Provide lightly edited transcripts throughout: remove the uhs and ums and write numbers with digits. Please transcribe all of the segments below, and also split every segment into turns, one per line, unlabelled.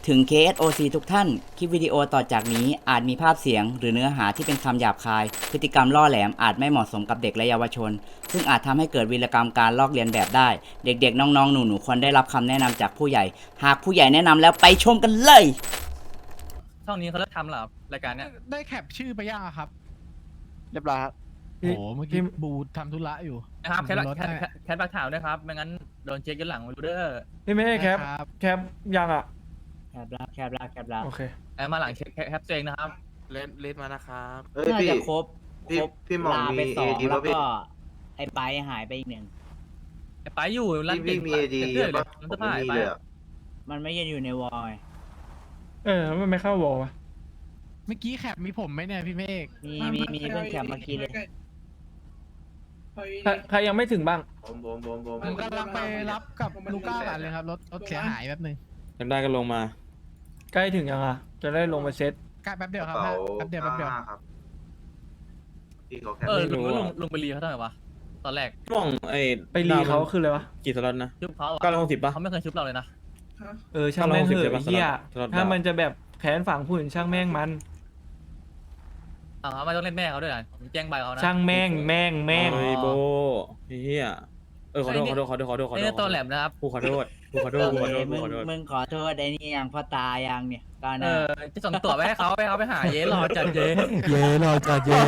ถึง KSOC ทุกท่าน คลิปวิดีโอต่อจากนี้อาจมีภาพเสียงหรือเนื้อหาที่เป็นคำหยาบคาย พฤติกรรมล่อแหลมอาจไม่เหมาะสมกับเด็กและเยาวชน ซึ่งอาจทำให้เกิดวีรกรรมการลอกเลียนแบบได้ เด็กๆ น้องๆ หนูๆ ควรได้รับคำแนะนำจากผู้ใหญ่ หากผู้ใหญ่แนะนำแล้วไปชมกันเลย
ช่องนี้เขาเลิกทำเหรอรายการเนี้ย
ได้แคปชื่อไปยังอะครับ
เรียบร้อยครับ
โอ้โหเมื่อกี้บูทำธุระอยู่
นะครับแคท
รถ
แคทบักถาวด้วยครับไม่งั้นโดนเช็คย้อนหลังรูเดอร์
พี่ไม่ให้แคป
ครับ
แคปยังอ่ะ
แคบลาแคบลาแคบลา
โอเค
มาหลังเช็คแคปตัวเองนะครับ
เลสมานะครับ
เอ้ย
น่า
พี่
จะครบ
พี่
ครบ
พี่หม่อง
ลาไป
มี
สอง
AD
แล้ว
ป่ะพี่
ก็ไอ้ไปหายไปอีกหนึ่ง
ไอ้ไปอยู่ร้าน
พี่มีเอดี
เรื่อยเลย
ป่ะ
ร้าน
ผ
เสื้อ
ม
ผ้า
ไม่
ไอ้
มี
ไป
เลยอะ
มันไม่ยังอยู่ในวอย
มันไม่เข้าวอลวะ
เมื่อกี้แคปมีผมไหมเนี่ยพี่เมฆ
มีเพิ่งแคปเมื่อกี้เลย
ใครยังไม่ถึงบ้าง
ผม
ผมกำลังไปรับกับลูก้ากันเลยครับรถเสียหายแป๊บนึง
จำได้ก็ลงมา
ใกล้ถึงยังอ่ะ จะได้ลงมาเซ็ต
ใกล้แป๊บเดี
ก
ยว
ระ
ครับ
เป๋า
แป๊บเดียวแป๊บเดียว
95ครับพี่เขาแค่
ลุงไปรีเขาเท่าไหร่วะตอนแรก
พี่หม่อง
ไปรีเขาคืออะไรวะ
กี่สล็อตนะ
ชุบเขาอะ
960ป่ะ
เขาไม่เคยชุบเราเลยนะ
ช่างแม่งเถ
960ใช่
อะ
ปะ
เฮีย
สล็อต
ถ้า
ดาว
มันจะแบบแขนฝังผู้อื่นช่างแม่งมัน
ไม่ต้องเล่นแม่เขาด้วยนะผมแจ้งใบเขานะ
ช่างแม่ง
เฮ้ยโบเฮียขอโทษขอ
ไอ้
โท
เนี่
ษ
ยตัวแหลมนะครับ
กูขอโทษกูขอโทษกูขอโทษกูขอโทษ
มึงขอโทษไอ้นี่ยังพ่อตายังเนี่ยก็นะ
จะส่งตั๋วไปให้เขาไปหาเย้รอจัดเย้
เย่รอจัดเย่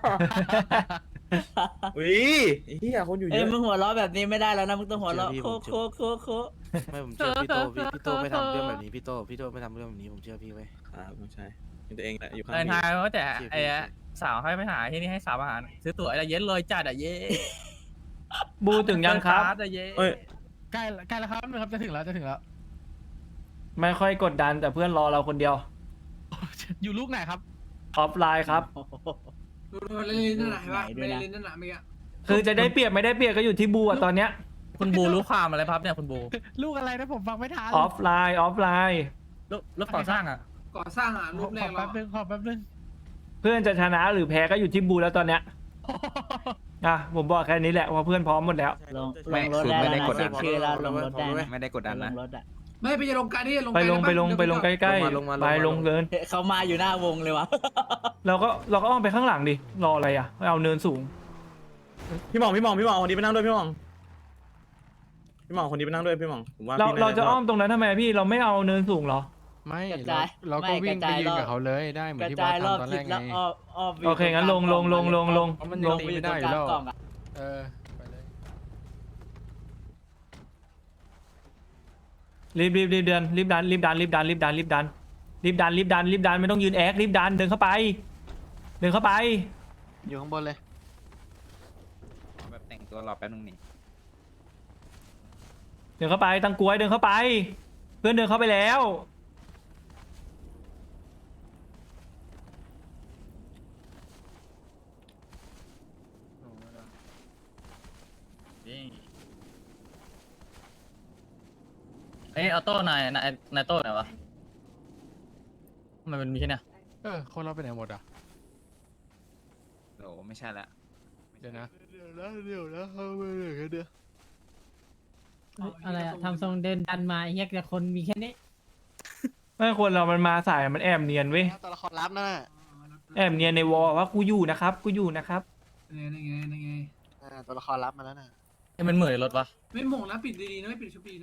อุ้ยเฮียคนอยู่เย
เอ้ย
อะ
มึงหัวเราะแบบนี้ไม่ได้แล้วนะมึงต้องหัวเราะโคโค
ไม่ผมเชื่อพี่โตพี่โตไม่ทำเรื่องแบบนี้พี่โตไม่ทำเรื่องแบบนี้ผมเชื่อพี่ไว้
ครับไม่ใช่เป็นตัวเองแหละอยู่ข้าง
ไอ้
พี่
ทายว่าแต่ไอ้สาวให้ไปหาที่นี่ให้สาวอาหารซื้อตั๋วไอ้เย้เลยจัดอะเย้
บูถึงยังครับ
เย้
เอ้ย
ใกล้แล้วครับนะครับจะถึงแล้ว
ไม่ค่อยกดดันแต่เพื่อนรอเราคนเดียว
อยู่ลูกไหนครับ
ออฟไลน์ครับ
เล่นนั่นแหละเห็นป่ะไม่ได้เล่นนั่นแหละเมื่อกี้
คือจะได้เปรียบไม่ได้เปรียบก็อยู่ที่บูอ่ะตอนเนี้ย
คุณบูรู้ความอะไรครับเนี่ยคุณบู
ลูกอะไรนะผมฟังไม่ทัน
ออฟไลน์
รถก่อสร้างอ่ะ
ก่อสร้างรูปแร
ขอก
เรา
แป๊บนึง
เพื่อนจะชนะหรือแพ้ก็อยู่ที่บูแล้วตอนเนี้ยผมบอกแค่นี้แหละว่าเพื่อนพร้อมหมดแล้ว
ลงรถได้แล้วนะเช็คชื่อแล้วลงรถได้นะ
ไม่ได้กดดันนะ
ลงรถอ่ะ
ไม่ไปจะลงการนี่ลง
ไปลงใกล้ๆ
ลงมา
ไปลงเกิน
เขามาอยู่หน้าวงเลยวะ
เราก็อ้อมไปข้างหลังดิรออะไรอ่ะเอาเนินสูง
พี่หม่องเอาคนนี้ไปนั่งด้วยพี่หม่องคนนี้ไปนั่งด้วยพี่หม่องผมว่า
เรา
พี่น่
เราจะอ้อมตรงนั้นทำไมพี่เราไม่เอาเนินสูงเหรอ
ไม่
กระจาย
เราก็วิ่งไปยืนกับเขาเลยได้เหมื
ก
อน
ระ
ที่
จา
บาย ส
รอบ
ทำตอน
ทิ
แร
ศ
ก
แล้ว
ไง
อ้อม
โอเคงั้นลง
เพราะมันยังตีไม่ได้อยู่แล้ว
กล่องอ่ะ
เออไปเลย
รีบเดินรีบดันไม่ต้องยืนแอครีบดันเดินเข้าไป
อยู่ข้างบนเลย
แบบแต่งตัวรอแป๊บนึงนี่
เดินเข้าไปตั้งกลวยเดินเข้าไป เพื่อนเดินเข้าไปแล้ว
เอ้ยออโต้นายโต้ไหนวะทำไมมันมีแค่เนี้ย
คนเราไปไหนหมดอ่ะ
โอ้ไม่ใช่ละ
เดี๋ยวนะ
อะไรอะทำทรงเดินดันมาเฮียแต่คนมีแค่นี้
ไม่คนเรามันมาสายมันแอบเนียนเว้ย
ตัวละครลับนั่นน่ะ
แอบเนียนในวอลว่ากูอยู่นะครับ
นี่ไง
ตัวละครลับมาแล้วน่ะ
ไอ้มันเหมือนรถวะ
ไม่หม่งนะปิดดีๆนะไม่ปิดชุบดีนะ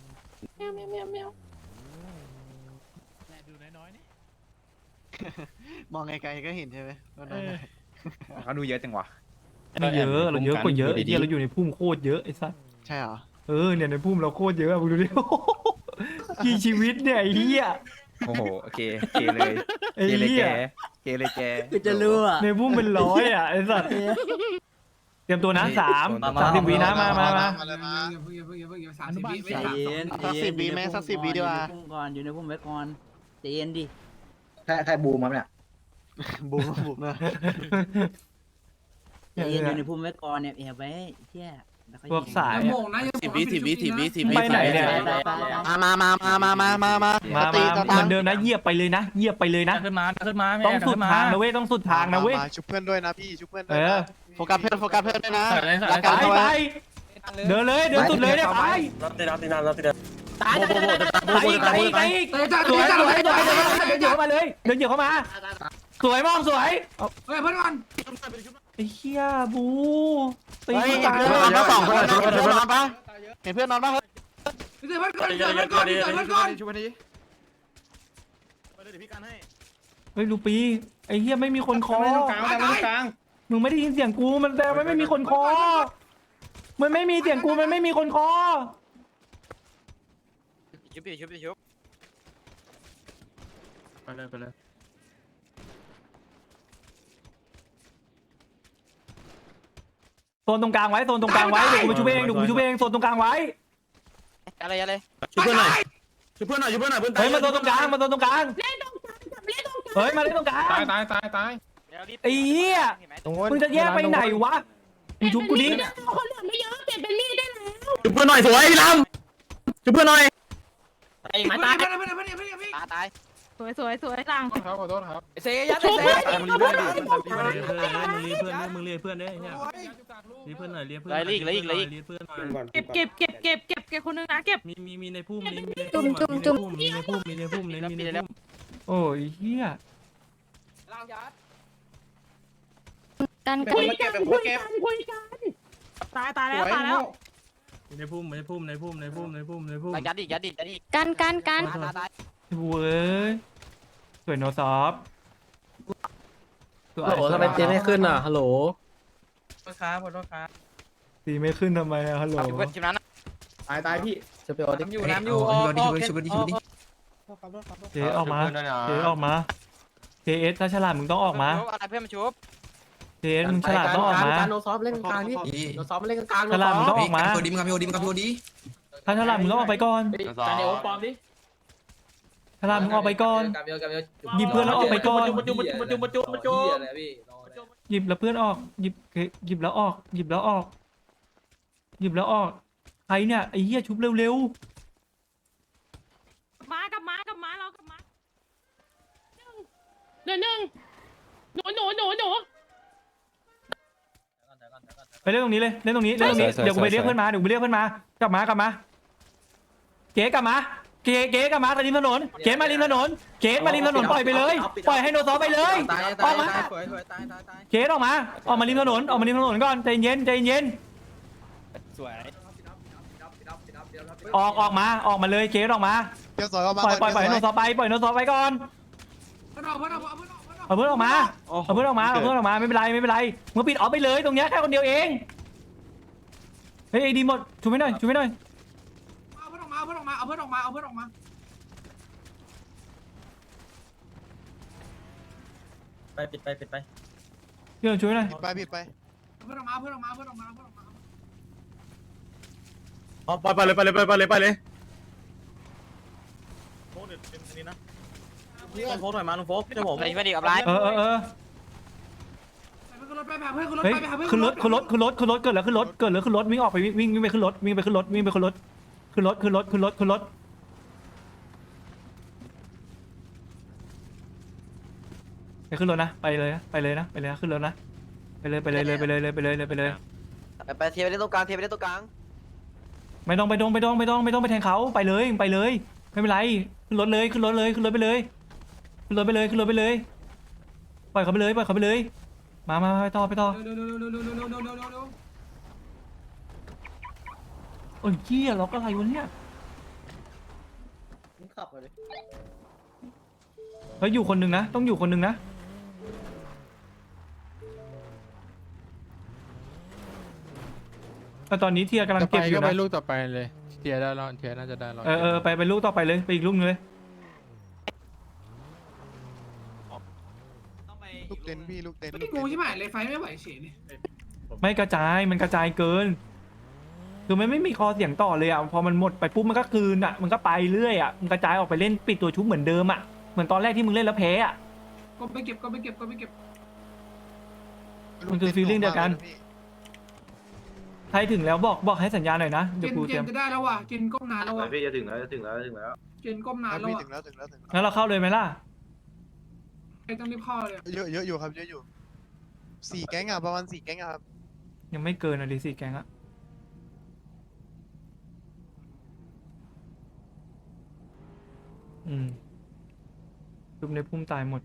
ดูน้อยๆนี่
มองไกลๆก็เห็นใช่ไหม
เขาดูเยอะจังวะ
ไม่เยอะเราเยอะกว่าเยอะไอ้เหี้ยเราอยู่ในพุ่มโคตรเยอะไอ้สัส
ใช่เหรอ
เนี่ยในพุ่มเราโคตรเยอะอะมึงดูดิ กี่ชีวิตเนี่ยไอ้เหี้ย
โอ้โหโอเคเลย
ไอ้เหี้ย
เกเลยแก
กูจะรู้อ่ะ
ในพุ่มเป็นร้อยอ่ะไอ้สัสเตรียมตัวนะ30 วินะมา
อย่าเพิ่ง30 วิไม่
ใจ
30
เย็น
สัก10 วิไหมสัก10 วิดีกว่า
อยู่ในพุ่มไว้ก่อนใจเย็นดิ
ใครบูมครับเนี่ยบูมนะ
ใจเย็นอยู่ในพุ่มไว้ก่อนเนี่ยแอบไว้เที่ย
พวกสาย
อย่าหม่งนะอย่าหม่งนะปิดชุบดีนะ
ไปไหนเนี่ย
มา
มาเหมือนเดิมนะเหยียบไปเลยนะ
ขึ้นมา
ต้องสุดทางนะเว้ยต้องสุดทางนะเว้ย
ชุบเพื่อนด้วยนะพี่ชุบเพื่อน
เออ
โฟกัสเพื่อนด้วยนะ
ไปเดินเลยเดินสุดเลยเนี่ยไป
ตาย
ตายอีกตายอีกตายอีก
เตะจ้า
สวย
เตะจ้า
สวยสวย
เตะจ้า
เดินเหยียบเข้ามาเลยเดินเหยียบเข้ามาสวยมองสวยเอา
เฮ้ยเพื่อนก่อน
ไอ้เหี้ยบูตี
เฮ้ย
ตาย
เพื่อนนอนปะสองคนเห็นเพื่อนนอนปะเห็นเพื่อนนอนปะ
เตะเพื่อนก่อนเตะเพื่อนก่อนเตะเพื่อนก่อน
ช่วยมาดิ
เฮ้ยลูปีไอ้เหี้ยไม่มีคนคอมึงไม่ได้ยินเสียงกูมันแต่ไม่มีคนคอมันไม่มีเสียงกูมันไม่มีคนคอ
ชุบดิชุบดิชุบ
ไปเลยไปเลย
โซนตรงกลางไว้โซนตรงกลางไว้เดี๋ยวกูไปชูเองเดี๋ยวกูไปชูเองโซนตรงกลางไว้
อะไรอะไร
ช่วยเพื่อนหน่อยช่วยเพื่อนหน่อยช่วยเพื่อนหน่อยเพื่อนตาย
เฮ้ยมาโซนตรงกลางมาโซนตรงกลางเฮ้ยมาเล่นตรงกลาง
ตายตายตายตาย
ไอ้เหี้ยมึงจะแยกไปไหนวะมึงชุบกูดิ
คนเหลือไม่เยอะเปลี่ยนเป็นมีดได้แล้ว
ช่วยเพื่อนหน่อยสวยพี่ลำช่วยเพื่อนหน่อย
ไอ้มาตายเพื่อนเพื่อนเพื่อนเพื่อนเพื่อน
ตาย
สวยสวยสวยหลัง
ขอโทษครับ
เซยัดเซ
มึงรีเพื่อนเพื่อนเนี่ยรีเพื่อนหน่อยรีเพื่อน
ไรอีกไรอีกไรอีก
รีเพื่อนหน่อย
เก็บคนนึงนะเก็บ
มีในพุ่มนี้มีใน
จุ่
พุ่
ม
ม
จุ่ม
มีในพุ่มมีในพุ่มมีในพุ่มโอ้ยเหี้ย
กันคุยกันคุยกันคุยกันตายแล้วตายแล้ว
ในพุ่มในพุ่มในพุ่มในพุ่มในพุ่มในพุ่ม
ยัดอีกยัดอีกยัดอีก
กัน
ตาย
เว้ยสวยโนซอฟสวย
โหทำไมเจไม่ขึ้นอ่ะฮัลโหล
ขอโทษครับขอโทษครับ
ตีไม่ขึ้นทำไมอะฮัลโหล
เพื่อนทีมนั้น
ตายพี่จะไปเอาดิ
อยู่น้ำอยู่
เจ๊ออกมาเจ๊ออกมาเจเอสถ้าฉลาดมึงต้องออกมา
อะไรเพื่อนมาชุบ
เจเอสมึงฉลาดต้องออกมา
โนซอฟเล่นกลางดิโนซอฟเล่นกลาง
ฉลาดมึงต้องออกมา
โดดีมึงกับโดดีมึงกับโดดี
ถ้าฉลาดมึงต้องออกไปก่อน
การเดียวปอมดิ
ฉลาดมึงออกไปก่อนหยิบเพื่อนแล้วออกไปก่อน
มาจุ่ม
หยิบแล้วเพื่อนออกหยิบแล้วออกหยิบแล้วออกหยิบแล้วออกใครเนี่ยไอ้เหี้ยชุบเร็ว
มากับมาเรากับมาหนึ่งหนู
ๆไปเล่นตรงนี้เลยเล่นตรงนี้เล่นตรงนี้เดี๋ยวกูไปเรียกเพื่อนมาเดี๋ยวกูไปเรียกเพื่อนมากลับมเก๋กลับมาเก๋กลับมาริมถนนเก๋มาริมถนนเก๋มาริมถนนปล่อยไปเลยปล่อยให้โนซอไปเลยออกมาเก๋ออกมาริมถนนออกมาริมถนนก่อนใจเย็นใจเย็น
สวย
ออกมาเลยเก๋ออกมา
เดี๋ยวสอยออกมา
ปล่อยให้โนซอไปปล่อยโนซอไปก่อน
เพื่อนเอาเพื่อนเอาเพื่อนเอา
เอาเพื่อนออกมาไม่เป็นไรมึงปิดออฟไปเลยตรงเนี้ยแค่คนเดียวเองเฮ้ยดีหมดช่วยไม่หน่อย
เอาเพื่อนออกมาเอาเพื่อนออกมาเอาเพื่อนออกมาเอาเพื่อนออกมา
ปิดไป
เดี๋ยวช่วยหน่อย
ไปผิดไป
เอาเพื่อนออกมาเอาเพื่อนออกมาเอาเพื่อนออกมาเอาเพื่อนออกมา
ไปเลยโฟกเดี๋ยวเป็นอันนี้นะโฟกหน่อยมาลุงโฟกเจ้าผม
อะไรไม่ดีกับไร
เออ
ไปเพื่อนรถไปหาเพื่อนขึ้นรถ
เฮ้ย
ไปหาเพื่อน
ขึ้นรถเกิดแล้วขึ้นรถวิ่งออกไปวิ่งไปขึ้นรถขึ้นรถนะไปเลยนะขึ้นรถนะไปเลย
ไปเทียบไปเล่นตรงกลางเทียบไปเล่นตรงกลาง
ไม่ต้องไปแทงเขาไปเลยไม่เป็นไรขึ้นรถไปเลยปล่อยเขาไปเลยมาไปต่อ
เร็ว
โอ้ยเหี้ยล็อกอะไรวะเนี่ย
ขับมาเลย
เฮ้ยอยู่คนหนึ่งนะต้องอยู่คนหนึ่งนะแต่ตอนนี้เทียกำลัง
จะไป
เก็บอยู่
ก็ไป
นะ
ลูกต่อไปเลยเทียได้รอดเทียน่าจะได้รอด
ไปลูกต่อไปเลยไปอีกลูกนึงเลย
ลูกเต็นพี่ลูกเต็น
ไม่กูใช่ไหมเลยไฟไม่ไหวเฉยนี่
ไม่กระจายมันกระจายเกินคือมันไม่มีคอเสียงต่อเลยอ่ะพอมันหมดไปปุ๊บมันก็คืนอ่ะมันก็ไปเรื่อยอ่ะมันกระจายออกไปเล่นปิดตัวชุบเหมือนเดิมอ่ะเหมือนตอนแรกที่มึงเล่นแล้วแพ้อ่ะ
ก็ไปเก็บ
มันคือฟีลลิ่งเดียวกันใครถึงแล้วบอกให้สัญญาณหน่อยนะ
เจ
เดี๋ยวน กูเตรียม
จะได้แล้วว่ะเจนก้มนานแล้วว่ะ
พี่จะถึงแล้ว
เจนก้มนานแล้ว
พี่
อ่ะ
ถึงแล้ว
งั้นเราเข้าเลยไหมล่ะ
ไอ้ต้องรีบเข้าเลย
เยอะอยู่ครับเยอะอยู่4 แก๊งอ่ะประมาณ4 แก๊งอ่ะครับ
ยังไม่เกินอ่ะดิสี่แกงอ่ะชุบในพุ่มตายหมด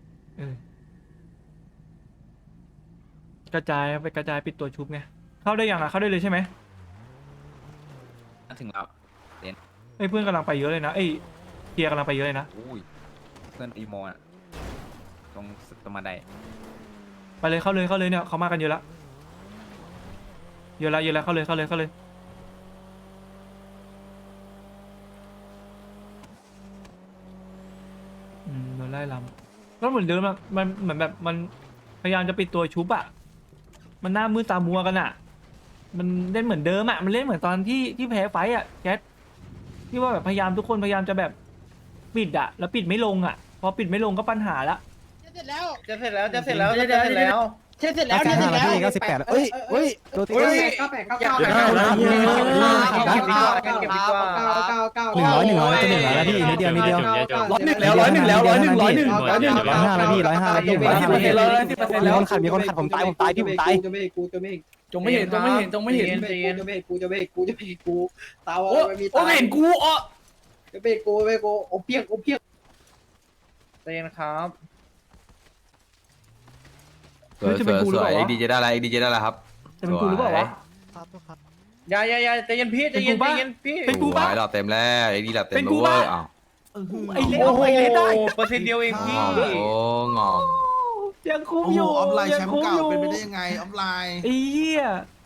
กระจายไปกระจายปิดตัวชุบไงเข้าได้ยังอ่ะเข้าได้เลยใช่ไหม
ถึงแล้ว
เอ้ยเพื่อนกำลังไปเยอะเลยนะเอ้ยเกียร์กำลังไปเยอะเลยนะ
อุ้ยเพื่อนอีโมอ่ะตรงมาได
ไปเลยเข้าเลยเนี่ยเขามากันเยอะละเข้าเลยโดนไล่ลำก็เหมือนเดิมอะมันเหมือนแบบมันพยายามจะปิดตัวชุบอะมันหน้ามืดตามัวกันอะมันเล่นเหมือนเดิมอะมันเล่นเหมือนตอนที่แพ้ไฟอะแคทที่ว่าแบบพยายามทุกคนพยายามจะแบบปิดอะแล้วปิดไม่ลงอะพอปิดไม่ลงก็ปัญหาละ
จะเสร็จแล้ว
จะเสร็จแล้ว
เสร็จแล้ว
เฮ้ยโดนตี100 แล้วพี่นิดเดียว101แล้วพี่มีคนขัดผมตายพี่ผมตายจงไม่เห็นตาไม่เห็นกูอ๋อจะเบรกกูโอเปียกเต้นครับ
สวยเอ็กดีจะได้อะไร
ครับ
จะเป็นกูหรือเปล่าวะ
อย่าใจเย็นพี่ใจเย็นพี่
เป็นกูปะ
เราเต็มแล้วไอ้ดีเราเต็ม
เป็นกู
เวอ
ปะ
ร์อ้าว
ไอ้เล่ได้
เปอร์เซ็นต์เดียวเองพี่งอ
ยังคุ้มอยู่ยังคุ้มอยู่เป็นไปได้ยังไงออฟไลน์ไอ้เหี้ย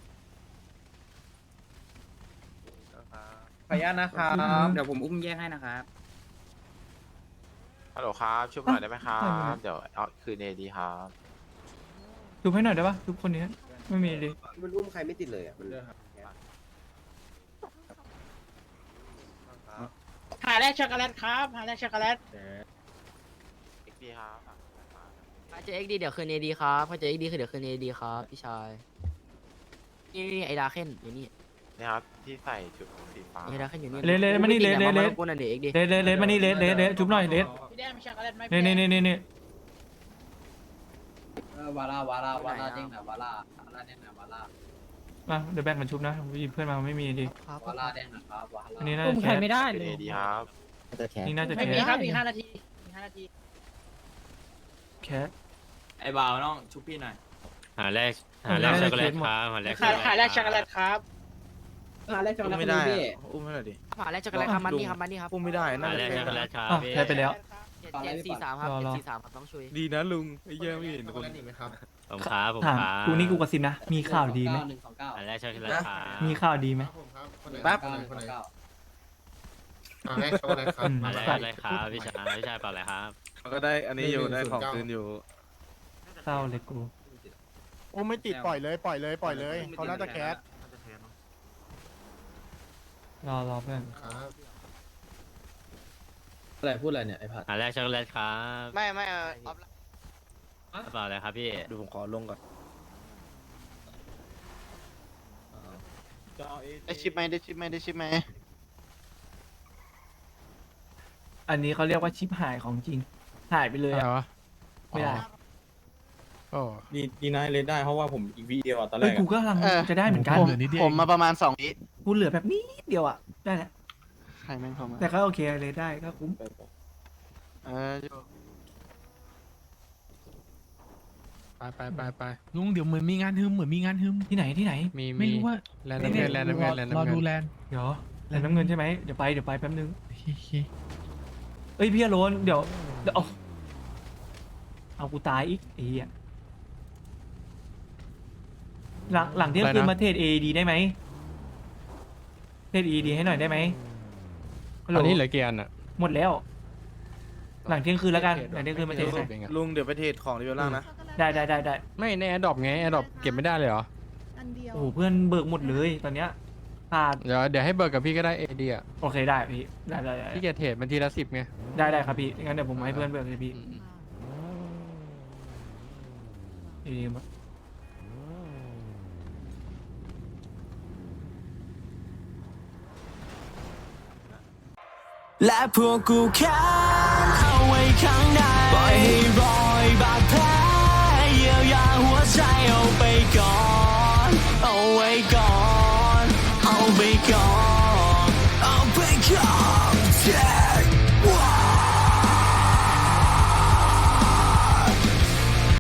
ขออนุญาตนะครับ
เดี๋ยวผมอุ้มแยกให้นะครับ
ฮัลโหลครับช่วยหน่อยได้ไหมครับเดี๋ยวเอาคืนเอดีครับ
ดูให้หน่อยได้ปะทุกคนนี้ไม่มีดิ
มันอุ้มใครไม่ติดเลยอ่ะ
หาแรกช็อกโกแลตครับหาแรกช็อกโกแลต
เอ็กดีครับ
ถ้าเจอ XD เดี๋ยวคืน AD ครับถ้าเจอ XD คือเดี๋ยวคืน AD ครับพี่ชายนี่ไอ้ดาเคนอยู่นี่
นี่ครับที่ใส่ชุดสีฟ้า
ไอ้ดาเคนอยู่นี่
เลมานี่เล
กูนั่นเด็ก XD
เลมานี่เลชุบหน่อยเล
พี่แดงมีช็อกโกแลตไหม
นี่
วาร่าเด้งนะวาร่าเด้งนะวาร่า
มาเดี๋ยวแบ่งกันชุบนะเพื่อนมาไม่มีดิ
วาร่าเด้งนะครับวาร่า
อันนี้น่า
อุ้ม
จะ
ใคร
แคส
ไม่ได้
คืน
เลย
เอดีครับ
นี่น่าจะ
ไม่
แค
มี
ส
ครับอีก5 นาที
แคส
ไอ้บ่าวน้องชุบพี่หน่อย
หาแรกช็อกโกแลตครับ
หาแรกช็อกโกแลตครับ
อุ้มไม่ได้อุ้มไม่ได้ดิ
หาแรกช็อกโกแลตครับมันนี่ครับ
อุ้มไม่ได้น่าจะแพ้
แคสไปแล้ว
743ครับ743ครับต้องช่วย
ดีนะลุงไอ้เยี่ยไม่เห็นคน
ถามกูนี่กูกระซิบนะมีข่าวดีไหม
แรกช็อกโกแลตครับ
มีข่าวดีไหม
แป๊บ
ให้ช็อกโกแลตครับ
อะไรครับ
พี่ชายเปล่าอะไรครับ
ก็ได้อันนี้อยู่ได้ของคืนอยู่
เศร้าเลยกู
โอ้ไม่ติดปล่อยเลยเขาน่าจะแคส
รอเพื่อน
ครับ
อะไรพูดอะไรเนี่ยไอ้ผัด
หาแรกช็อกโกแลตครับ
ไม่ออฟ
เปล่าอะไรครับพี่
ดูผมขอลงก่อน
ได้ชิปไหม
อันนี้เขาเรียกว่าชิปหายของจริงหายไปเลย
อะไร
อะ
วะ
ไม่ได้
โอ้
ดีนะเลนได้เพราะว่าผมอีกวีเดียวตอนแร
เอ้ย
ก
กูก็กำลังจะได้เหมือนกัน
ผมมาประมาณ2 วิ
กูเหลือแบบนี้เดียวอ่ะได้แหละ
ใครแม่งเข้ามา
แต่ก็โอเคเลยได้ก็คุ้ม
ไปลุงเดี๋ยวเหมือนมีงานฮึม
ที่ไหน
มี
ไม่รู้ว่า
แลนด์น้ำเงินรอดูแลนด์
เดี๋ยวแลนด์น้ำเงินใช่ไหมเดี๋ยวไปแป๊บนึงเอ้ยพี่อโรนเดี๋ยวเอากูตายอีกไอ้เหี้ยหลังเที่ยงคืนมาเทรด AED ได้ไหมเทรด AED ให้หน่อยได้ไหมฮัลโหล
อันนี้เหลือกี่อันอ่ะ
หมดแล้ว หลังเที่ยงคืนแล้วกันหลังเที่ยงคืนมาเทรดให้
ลุงเดี๋ยวไปเทรดของรีเวลล่างนะ
ได้
ไม่ในแอร์ดรอปไงแอร์ดรอปเก็บไม่ได้เลยเหรอ
โอ้โหเพื่อนเบิกหมดเลยตอนเนี้ยขาด
เดี๋ยวให้เบิร์กับพี่ก็ได้ AD อ่ะ
โอเคได้พี่ได้
พี่เกียรเทรดมันทีละ10ไง
ได้ครับพี่งั้นเดี๋ยวผมให้เพื่อนเบิกเลยพี่ดีมาก
และพวกกูแค้นเอาไว้ข้างในปล่อยให้รอยบาดแผลเยียวยาหัวใจเอาไปก่อนเอาไว้ก่อนเอาไปก่อนเอาไปก่อน